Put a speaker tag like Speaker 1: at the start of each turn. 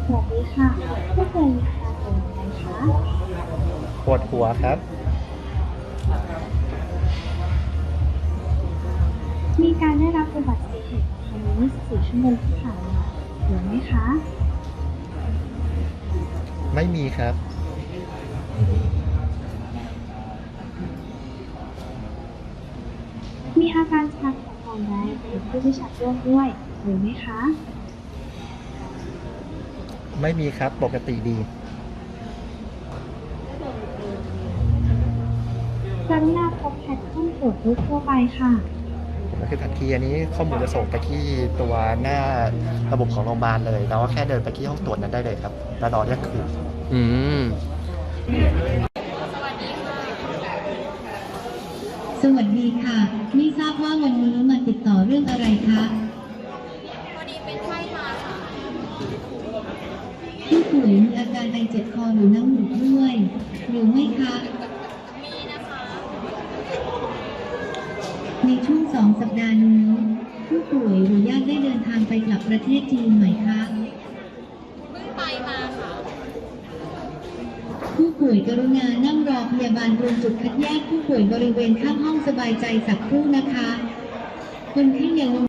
Speaker 1: สวัสดีค่ะผู้ป่วยมีอาการเป็นยังไงคะ
Speaker 2: ปวดหัวครับ
Speaker 1: มีการได้รับอุบัติเหตุภายใน24 ชั่วโมงที่ผ่านมาหรือไม่คะ
Speaker 2: ไม่มีครับ
Speaker 1: มีอาการชักและอ่อนแรงหรือผู้ที่ชักร่วมด้วยหรือไม่คะ
Speaker 2: ไม่มีครับปกติดี
Speaker 1: กรุณาพบแพทย์ข้อตรวจโรคทั่วไปค่ะ
Speaker 2: ก็คือทันทีอันนี้ข้อมูลจะส่งไปที่ตัวหน้าระบบของโรงพยาบาลเลยเราก็แค่เดินไปที่ห้องตรวจนั้นได้เลยครับแล้วรอเรียกคิว
Speaker 3: อืม
Speaker 4: สวัสดีค่ะไม่ทราบว่าวันนี้มาติดต่อเรื่องอะไรคะ
Speaker 5: พอดีเป็นไข้มาค่ะ
Speaker 4: ผู้ป่วยมีอาการไอเจ็บคอหรือน้ำมูกด้วยหรือไม่คะ
Speaker 5: มีนะคะ
Speaker 4: ในช่วง2 สัปดาห์นี้ผู้ป่วยหรือญาติได้เดินทางไปกลับประเทศจีนไหมคะ
Speaker 5: เพิ่งไปมาค่ะ
Speaker 4: ผู้ป่วยกรุณานั่งรอพยาบาลตรงจุดคัดแยกผู้ป่วยบริเวณข้างห้องสบายใจสักครู่นะคะคนไข้อย่าลง